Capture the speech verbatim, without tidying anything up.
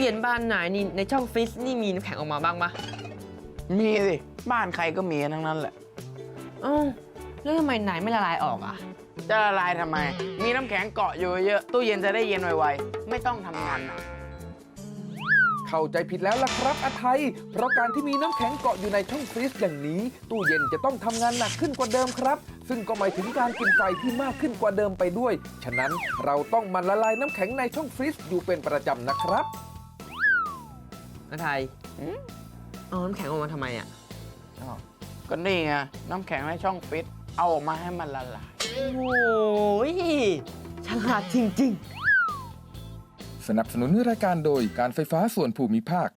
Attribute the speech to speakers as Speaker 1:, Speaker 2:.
Speaker 1: ย็นบ้านไหนนี่ในช่องฟรีซนี่มีน้ำแข็งออกมาบ้างปะ
Speaker 2: มีสิบ้านใครก็มีทั้งนั้นแหละ
Speaker 1: อ้าวแล้วทำไมไหนไม่ละลายออกอ่ะ
Speaker 2: จะละลายทำไมมีน้ำแข็งเกาะอยู่เยอะตู้เย็นจะได้เย็นไวๆไม่ต้องทำงานหนัก
Speaker 3: เข้าใจผิดแล้วล่ะครับอาไทยเพราะการที่มีน้ำแข็งเกาะอยู่ในช่องฟรีซอย่างนี้ ตู้เย็นจะต้องทำงานหนักขึ้นกว่าเดิมครับ ซึ่งก็หมายถึงการกินไฟที่มากขึ้นกว่าเดิมไปด้วย ฉะนั้นเราต้องหมันละลายน้ำแข็งในช่องฟรีซอยู่เป็นประจำนะครับ
Speaker 1: อาไทยเอาน้ำแข็งออกมาทำไมอ่ะ
Speaker 2: อ้าวก็นี่ไงน้ำแข็งในช่องฟิตเอาออกมาให้มันละลาย
Speaker 1: โอ้ยฉลาดจริงๆ
Speaker 3: สนับสนุนรายการโดยการไฟฟ้าส่วนภูมิภาค